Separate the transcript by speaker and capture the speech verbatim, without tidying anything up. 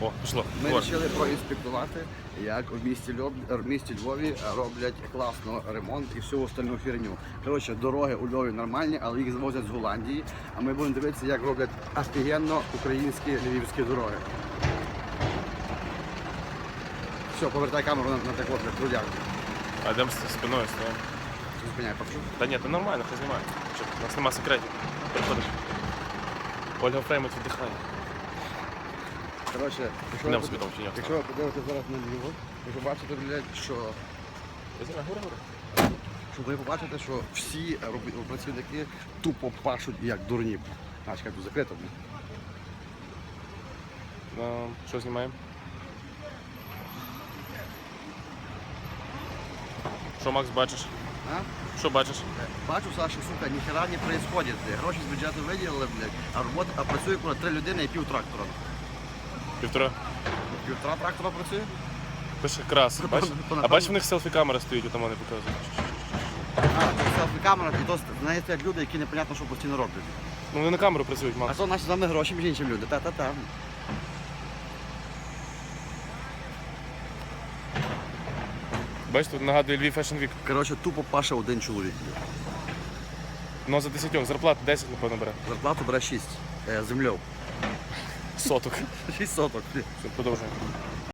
Speaker 1: О, пішло.
Speaker 2: Ми
Speaker 1: Говор.
Speaker 2: вирішили проінспектувати, як в місті, Львов, в місті Львові роблять класно ремонт і всю остальну херню. Коротше, дороги у Львові нормальні, але їх завозять з Голландії. А ми будемо дивитися, як роблять офігенно українські львівські дороги. Все, повертай камеру на, на таку для трудяк.
Speaker 1: А йдемо з спиною стоїмо.
Speaker 2: Зупиняй, покажу.
Speaker 1: Та ні, то нормально, хай знімає. Що, у нас нема секретів. Приходиш. Ольга Фреймут віддихає.
Speaker 2: Коротше, якщо,
Speaker 1: Йдемо
Speaker 2: ви,
Speaker 1: собі там чи ні?
Speaker 2: якщо ви подивитесь зараз на Львів, ви побачите, блядь, що,
Speaker 1: Знімай, гури, гури.
Speaker 2: що ви побачите, що всі роб- працівники тупо пашуть як дурні. А, чекай, тут закрито. блядь.
Speaker 1: Ну, що знімаємо? Що, Макс, бачиш?
Speaker 2: А?
Speaker 1: Що бачиш?
Speaker 2: Бачу, Саша, сука, ніхера не происходит. блядь. Гроші з бюджету виділили, блядь, а роботи, а працює коли три людини і пів трактора.
Speaker 1: Півтора.
Speaker 2: Півтора трактора працює?
Speaker 1: Пише крас. Бачиш? А бачиш, в них селфі-камера стоїть, там вони показують.
Speaker 2: А, це селфі-камера, і то в неї стоять люди, які непонятно, що постійно роблять.
Speaker 1: Ну вони на камеру працюють,
Speaker 2: А
Speaker 1: Макс.
Speaker 2: то наші з вами гроші, між іншим люди. Та-та-та.
Speaker 1: Бачиш, тут нагадує Львів Fashion Week.
Speaker 2: Коротше, тупо паше один чоловік.
Speaker 1: Ну за десятьох, зарплата десять, напевно, бере.
Speaker 2: Зарплату бере шість. Е, землю.
Speaker 1: Соток.
Speaker 2: шість соток.
Speaker 1: Все, продовжуємо.